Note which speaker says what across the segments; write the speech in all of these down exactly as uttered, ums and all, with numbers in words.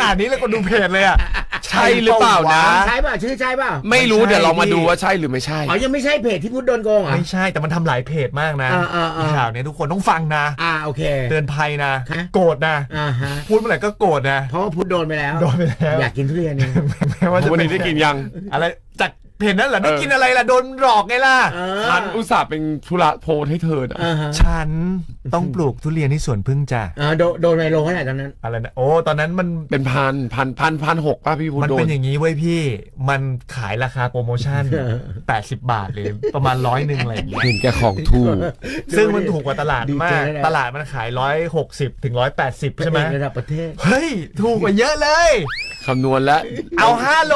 Speaker 1: นาดนี้เลยก็ดูเพจเลยอ่ะ
Speaker 2: ใช่หรือเปล่านะ
Speaker 3: ใช่ป่ะชื่อใช่ป่ะ
Speaker 2: ไม่รู้เดี๋ยวเรามาดูว่าใช่หรือไม่ใช่
Speaker 3: อ๋อยังไม่ใช่เพจที่พุทธโดนโกงอ่ะ
Speaker 1: ไม่ใช่แต่มันทำหลายเพจมากนะข่าวนี้ทุกคนต้องฟังนะ
Speaker 3: อ่าโอเค
Speaker 1: เตือนภัยนะโกรธนะพูดเมื่อไหร่ก็โกรธนะ
Speaker 3: เพราะว่าพุทธโดนไปแล้ว
Speaker 1: โดนไปแล้ว
Speaker 3: อยากกินทุเรียนนี่
Speaker 1: แม้ว่าจะ
Speaker 2: วันนี้ได้กินยัง
Speaker 1: อะไรจากเพจนั้นเหรอได้กินอะไรล่ะโดนหลอกไงล่ะ
Speaker 2: ฉันอุตส่าห์เป็นธุระโพสให้เธอ
Speaker 1: ฉันต้องปลูกทุเรียนที่สวนพึ่งจ้ะ
Speaker 3: โดนไมโลเท่าไหร่ตอนนั้น
Speaker 1: อะไรนะโอ้ตอนนั้นมัน
Speaker 2: เป็นพันพันพันพันหกป่ะพี่พูด
Speaker 1: มันเป็นอย่างนี้เว้ยพี่มันขายราคาโปรโมชั่นแปดสิบบาทเลยประมาณร้อยหนึ่งอะไรอย่างเงี้ย
Speaker 2: เห็นแกของถูก
Speaker 1: ซึ่งมันถูกกว่าตลาดมากตลาดมันขายร้อยหกสิบถึงร้อยแปดสิบใช่ไหม
Speaker 3: ระดับประเทศ
Speaker 1: เฮ้ยถูกกว่าเยอะเลย
Speaker 2: คำนวณแล้ว
Speaker 1: เอาห้าโล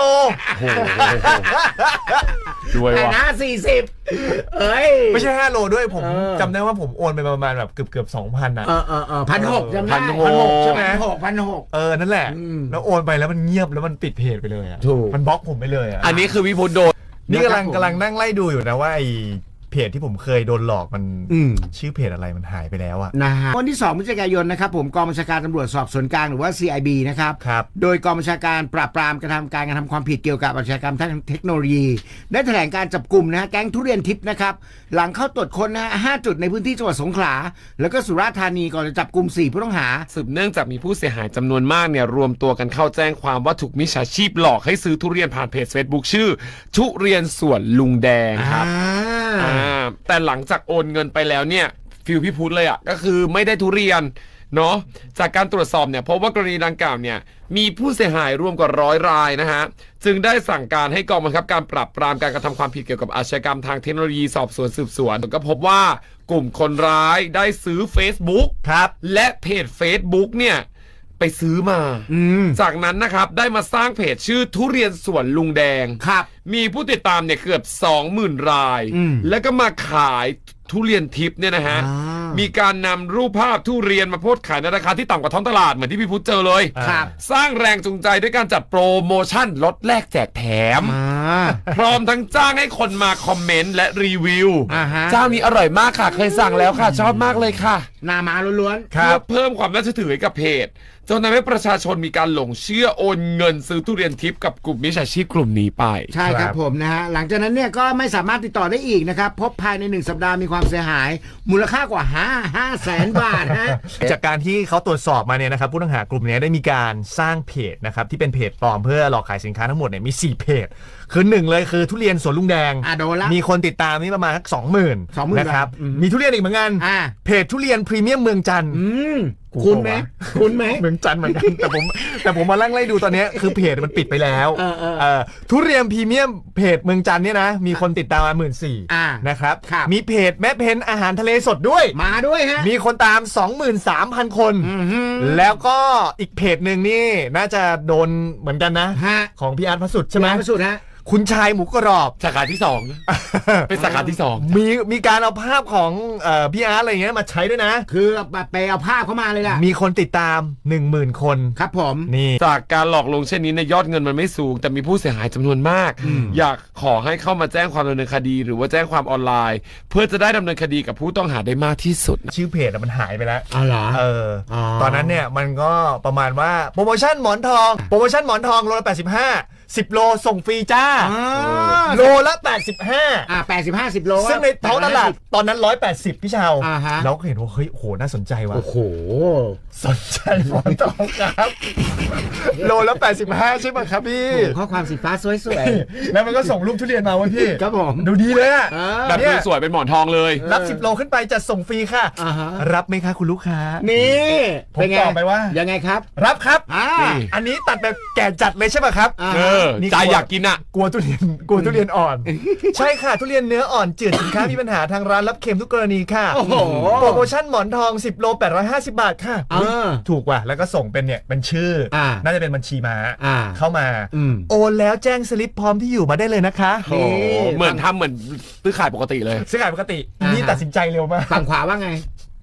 Speaker 2: ด้วยว่ะ
Speaker 3: นะสี่สิบเอ้ย
Speaker 1: ไม่ใช่ห้าโลด้วยผมจำได้ว่าผมโอนไปประมาณแบบเกือบเกือบสองพันอ่ะ
Speaker 3: เออเออเออพันหกจำได้
Speaker 2: พันหก
Speaker 3: ใช่ไหมหกพันหก
Speaker 1: เออนั่นแหละแล้วโอนไปแล้วมันเงียบแล้วมันปิดเพจไปเลยอ่ะมันบล็อกผมไปเลยอ่ะ
Speaker 2: อันนี้คือวิพุทธโดน
Speaker 1: นี่กำลังกำลังนั่งไล่ดูอยู่นะว่าไอเพจที่ผมเคยโดนหลอกมันชื่อเพจอะไรมันหายไปแล้วอะ
Speaker 3: นะฮะวันที่สองพฤศจิกายนนะครับผมกองบัญชาการตำรวจสอบสวนกลางหรือว่า ซี ไอ บี นะครับ
Speaker 1: ครับ
Speaker 3: โดยกองบัญชาการปราบปรามกระทำการกระทำความผิดเกี่ยวกับอาชญากรรมทางเทคโนโลยีได้แถลงการจับกลุ่มนะฮะแก๊งทุเรียนทิพย์นะครับหลังเข้าตรวจค้นนะฮะห้าจุดในพื้นที่จังหวัดสงขลาแล้วก็สุราษฎร์ธานีก่อนจะจับกลุ่มสี่ผู้ต้องหา
Speaker 2: สืบเนื่องจากมีผู้เสียหายจำนวนมากเนี่ยรวมตัวกันเข้าแจ้งความว่าถูกมิจฉาชีพหลอกให้ซื้อทุเรียนผ่านเพจ Facebook ชื่อทุเรียนสวนลุงแดงครับแต่หลังจากโอนเงินไปแล้วเนี่ยฟิลพี่พุทธเลยอ่ะก็คือไม่ได้ทุเรียนเนาะจากการตรวจสอบเนี่ยพบว่ากรณีดังกล่าวเนี่ยมีผู้เสียหายรวมกว่าร้อยรายนะฮะจึงได้สั่งการให้กองบังคับการปราบปรามการกระทำความผิดเกี่ยวกับอาชญากรรมทางเทคโนโลยีสอบสวนสืบสวนก็พบว่ากลุ่มคนร้ายได้ซื้อ Facebook
Speaker 1: ครับ
Speaker 2: และเพจ Facebook เนี่ยไปซื้อมาจากนั้นนะครับได้มาสร้างเพจชื่อทุเรียนสวนลุงแดง
Speaker 3: ครับ
Speaker 2: มีผู้ติดตามเนี่ยเกือบ สองหมื่น รายแล้วก็มาขายทุเรียนทิพย์เนี่ยนะฮะมีการนำรูปภาพทุเรียนมาโพสต์ขายในราคาที่ต่ำกว่าท้องตลาดเหมือนที่พี่พุทธเจอเลยสร้างแรงจูงใจด้วยการจัดโปรโมชั่นลดแลกแจกแถมพร้อมทั้งจ้างให้คนมาคอมเมนต์และรีวิวเจ้านี้อร่อยมากค่ะเคยสั่งแล้วค่ะชอบมากเลยค่ะ
Speaker 3: นามาล้วน
Speaker 2: ๆเพื่อเพิ่มความน่าเชื่อถือให้กับเพจจนทำให้ประชาชนมีการหลงเชื่อโอนเงินซื้อทุเรียนทิพย์กับกลุ่มมิจฉาชีพกลุ่มนี้ไป
Speaker 3: ใช่ครับผมนะฮะหลังจากนั้นเนี่ยก็ไม่สามารถติดต่อได้อีกนะครับพบภายในหนึ่งสัปดาห์มีความเสียหายมูลค่ากว่าห้า ห้าแสนบาทฮะ
Speaker 1: จากการที่เขาตรวจสอบมาเนี่ยนะครับผู้ต้องหากลุ่มนี้ได้มีการสร้างเพจนะครับที่เป็นเพจปลอมเพื่อหลอกขายสินค้าทั้งหมดเนี่ยมีสี่เพจคือหนึ่งเลยคือทุเรียนสวนลุงแดงมีคนติดตามนี่ประมาณสักสองหมื่นนะครับมีทุเรียนอีกเหมือนกันเพจทุเรียนพรีเมียมเมืองจันทร์
Speaker 3: คุณไหมคุณไหม
Speaker 1: เมืองจันทร์เหมือนกันแต่ผมแต่ผมมาลั่งไล่ดูตอนนี้คือเพจมันปิดไปแล้วทุเรียนพรีเมียมเพจเมืองจันทร์เนี่ยนะมีคนติดตามมาหมื่นสี่นะครับมีเพจแม่เพนอาหารทะเลสดด้วย
Speaker 3: มาด้วยฮะ
Speaker 1: มีคนตาม สองหมื่นสามพัน คนแล้วก็อีกเพจหนึ่งนี่น่าจะโดนเหมือนกันนะของพี่อาร์ตพระสุดใช่ไหม
Speaker 3: พระสุดฮะ
Speaker 1: คุณชายหมูกรอบ
Speaker 2: สาขาที่สองเป็นสาขาที่สอง
Speaker 1: มีมีการเอาภาพของเอ่อพี่อาร์ตอะไรเงี้ยมาใช้ด้วยนะ
Speaker 3: คือไปเอาภาพเข้ามาเลยล่ะ
Speaker 1: มีคนติดตาม หนึ่งหมื่น คน
Speaker 3: ครับผม
Speaker 1: นี่
Speaker 2: จากการหลอกลวงเช่นนี้ในยอดเงินมันไม่สูงแต่มีผู้เสียหายจำนวนมากอยากขอให้เข้ามาแจ้งความดำเนินคดีหรือว่าแจ้งความออนไลน์เพื่อจะได้ดำเนินคดีกับผู้ต้องหาได้มากที่สุด
Speaker 1: ชื่อเพจมันหายไปแล้ว
Speaker 3: อ๋อเหรอ
Speaker 1: เออตอนนั้นเนี่ยมันก็ประมาณว่าโปรโมชั่นหมอนทองโปรโมชั่นหมอนทองโลละแปดสิบห้าสิบโลส่งฟรีจ้าโลละแปดสิบห้า
Speaker 3: อ่าแปดสิบห้า สิบโล
Speaker 1: ซึ่งในท้องตลาดตอนนั้นหนึ่งร้อยแปดสิบพี่ชาวเราก็เห็นว่าเฮ้ยโหน่าสนใจว่ะ
Speaker 3: โอ้โห
Speaker 1: สนใจหมอนทองครับโลละแปดสิบห้าใช่ไหมครับพี่
Speaker 3: ข้อความสีฟ้าสวย
Speaker 1: ๆแล้วมันก็ส่งรูปทุเรียนมาว่าพี่
Speaker 3: ครับผม
Speaker 1: ดูดีเลยอ่ะ
Speaker 2: แบบดูสวยเป็นหมอนทองเลย
Speaker 1: รับสิบโลขึ้นไปจะส่งฟรีค่ะรับไหมคะคุณลูกค้า
Speaker 3: นี่
Speaker 1: ผมตอบไปว่า
Speaker 3: ยังไงครับ
Speaker 1: รับครับอันนี้ตัดแบบแก่จัดเลยใช่ไหมครับ
Speaker 2: เออใจอยากกินอ่ะ
Speaker 1: กลัวทุเรียนกลัวทุเรียนอ่อนใช่ค่ะทุเรียนเนื้ออ่อนจืดสินค้ามีปัญหาทางร้านรับเค็มทุกกรณีค่ะโปรโมชั่นหมอนทองสิบโลแปดร้อยห้าสิบบาทค่ะถูกว่ะแล้วก็ส่งเป็นเนี่ยเป็นชื่อน่าจะเป็นบัญชีม้าเข้ามาโอนแล้วแจ้งสลิปพร้อมที่อยู่มาได้เลยนะคะ
Speaker 2: เหมือนทำเหมือนซื้อขายปกติเลย
Speaker 1: ซื้อขายปกตินี่ตัดสินใจเร็วมาก
Speaker 3: ฝั่งขวาว่าไง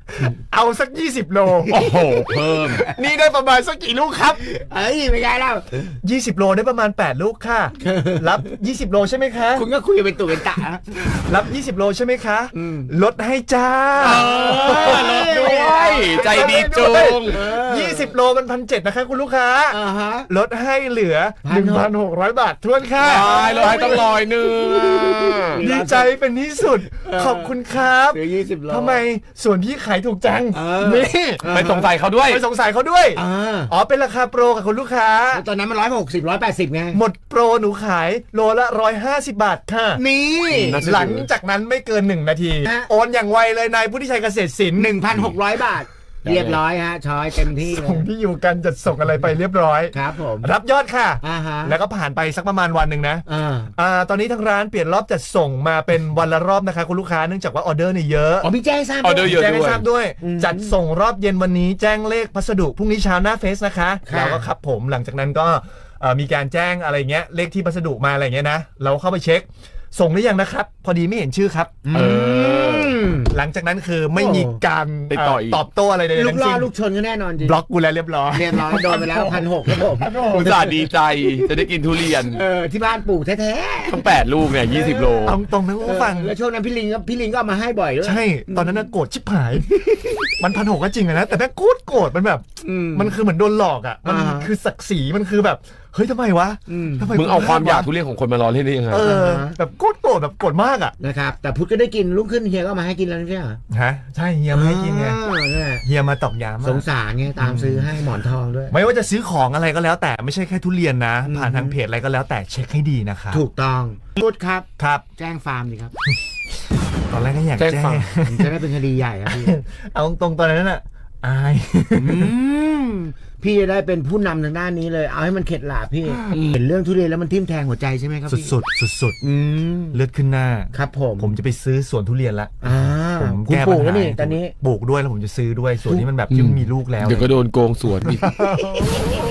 Speaker 1: เอาสักยี่สิบโล
Speaker 2: โอ้โหเพิ่ม
Speaker 1: นี่ได้ประมาณสักกี่ลูกครับ
Speaker 3: เอ้ยไม่ได้แล้ว
Speaker 1: ยี่สิบโลได้ประมาณแปดลูกค่ะ รับยี่สิบโลใช่ไหมคะ
Speaker 3: คุณก็คุยกันเป็นตุเป็นตะนะ
Speaker 1: รับยี่สิบโลใช่ไหมคะ
Speaker 3: อืม
Speaker 1: ลดให้จ้า
Speaker 2: ลดด้วยใจดีจุง
Speaker 1: ยี่สิบโลมันพันเจ็ดนะคะคุณลูกค้า
Speaker 3: อ่าฮะ
Speaker 1: ลดให้เหลือ
Speaker 3: พันหก
Speaker 1: หนึ่งพันหกร้อย บาททวนค่ะ
Speaker 2: ตายเลยให้ต้องลอยหนึ่ง
Speaker 1: ดีใจเป็นที่สุด ขอบคุณครับ
Speaker 3: ซื้อยี่สิบโล
Speaker 1: ทำไมส่วนพี่ขายถูกจัง
Speaker 3: เออ
Speaker 1: นี่
Speaker 2: ไปสงสัยเขาด้วย
Speaker 1: ไปสงสัยเขาด้วย
Speaker 3: อ่า
Speaker 1: อ๋อเป็นราคาโปรกับคุณลูกค้า
Speaker 3: ตอนนั้นมันร้อยหกสิบร้อยแปดสิบไง
Speaker 1: หมดโปรหนูขายโลละร้อยห้าสิบบาทค่ะ
Speaker 3: นี่
Speaker 2: น่าเชื่อถือ
Speaker 1: หลังจากนั้นไม่เกินหนึ่งนาที
Speaker 3: ฮะ
Speaker 1: โอนอย่างไวเลยนายผู้ที่ชัยเกษตรศิลป์
Speaker 3: หนึ่งพันหกร้อยบาท เรียบร้อยฮะช้อยเต็มที่เล
Speaker 1: ส่ง
Speaker 3: ย
Speaker 1: ที่อยู่กันจัดส่งอะไรไปเรียบร้อย
Speaker 3: ครับผม
Speaker 1: รับยอดค่ะ
Speaker 3: อ่าฮะ
Speaker 1: แล้วก็ผ่านไปสักประมาณวันหนึ่งนะ
Speaker 3: อ่า
Speaker 1: อ่าตอนนี้ทางร้านเปลี่ยนรอบจัดส่งมาเป็นวันละรอบนะคะคุณลูกค้าเนื่องจากว่าออเดอร์เนี่ยเยอะ
Speaker 3: อ๋อพี่แจ้งทราบ
Speaker 2: ออเดอร์เยอะ
Speaker 1: แจ้งให้ทราบด้วย
Speaker 3: อืม
Speaker 1: จัดส่งรอบเย็นวันนี้แจ้งเลขพัสดุพรุ่งนี้เช้าหน้าเฟซนะคะ
Speaker 3: ค่ะ
Speaker 1: แล้วก็ครับผมหลังจากนั้นก็เอ่อมีการแจ้งอะไรเงี้ยเลขที่พัสดุมาอะไรเงี้ยนะเราเข้าไปเช็ค ส่งหรือยังนะครับ พอดีไม่เห็นชื่อครับ
Speaker 2: เออ
Speaker 3: ม
Speaker 1: หลังจากนั้นคือไม่มีการ
Speaker 2: ติดต่ออีก
Speaker 1: เตอบโต้อะไรใด
Speaker 3: ลู
Speaker 1: ๆ
Speaker 3: ก
Speaker 1: ทั้ง
Speaker 3: ล่อ
Speaker 1: สิ้น
Speaker 3: ลูกชนก็แน่นอนจริง
Speaker 1: บล็อกกูแล้วเรียบร้อย
Speaker 3: เรียบร้อยโดนไปแล้วพันหกครับผม
Speaker 2: อุตส่าห์ดีใจจะได้กินทุเรียน
Speaker 3: เออที่บ้านปลูกแท้
Speaker 2: ทั้งแปดลูกเนี่ยยี่สิบโล
Speaker 1: เอาตรงนะคุณ
Speaker 3: ๆ
Speaker 1: ผู้ฟัง
Speaker 3: แล้วช่วงนั้นพี่ลิงก็พี่ลิงก็เอามาให้บ่อยด้วย
Speaker 1: ใช่ ตอนนั้นน่ะโกรธชิบหาย มันพันหกก็จริงอะนะ แต่แม่งโคตรโกรธมันแบบ
Speaker 3: อืม
Speaker 1: มันคือเหมือนโดนหลอกอ่ะ มัน
Speaker 3: อ่าฮะ
Speaker 1: คือศักดิ์ศรีมันคือแบบ เฮ้ยทำไมวะ
Speaker 3: อืม
Speaker 1: ทำไม
Speaker 2: มึงเอาความอยาก
Speaker 1: วะ
Speaker 2: ทุเรียนของคนมาล้อเล่นได้ยังไง
Speaker 1: เออ
Speaker 3: อ่าฮะ
Speaker 1: แบบโคตรโกรธแบบโกรธมากอ่ะ
Speaker 3: นะครับแต่พุทธก็ได้กินลุกขึ้นเฮียก็เอามาให้กินแล้วไม่ใช่เหรอ
Speaker 1: ฮะ ใช่เฮียมาให้กินไง
Speaker 3: อ่านั่นแหละ
Speaker 1: เฮียมาตอกย้ำ
Speaker 3: ส
Speaker 1: อะ
Speaker 3: งสารไงตามซื้อให้หมอนทองด้วย
Speaker 1: ไม่ว่าจะซื้อของอะไรก็แล้วแต่ไม่ใช่แค่ทุเรียนนะ
Speaker 3: อืม
Speaker 1: ผ่านทางเพจอะไรก็แล้วแต่เช็คให้ดีนะครับ
Speaker 3: ถูกต้องพุทธครับ
Speaker 1: ครับ
Speaker 3: แจ้งฟาร์มดีครับ
Speaker 1: ตอนแรกก็อยาก
Speaker 2: แจ้ง
Speaker 1: แจ้ง
Speaker 2: ฟัง
Speaker 3: มันจะได้เป็นคดีใหญ่ครับพี่
Speaker 1: เอาตรงๆตอนนั้นอ่ะอาย
Speaker 3: อืมพี่จะได้เป็นผู้นำทางด้านนี้เลย เอาให้มันเข็ดหลาบพี่ เห็นเรื่องทุเรียนแล้วมันทิ่มแทงหัวใจใช่ไหมครับพี่
Speaker 1: สุดๆสุด
Speaker 3: อืม
Speaker 1: ๆเลือดขึ้นหน้า
Speaker 3: ครับผม
Speaker 1: ผมจะไปซื้อสวนทุเรียนละ
Speaker 3: อ่า
Speaker 1: ผม
Speaker 3: คุณ
Speaker 1: แก้
Speaker 3: ป
Speaker 1: ปั
Speaker 3: ลู
Speaker 1: ญ
Speaker 3: กแล้ว
Speaker 1: หา
Speaker 3: นี่ตอนนี้
Speaker 1: ปลูกด้วยแล้วผมจะซื้อด้วยส่วนนี้มันแบบที่มันมีลูกแล้ว
Speaker 2: เดี๋ยวก็โดนโกงสวนอีก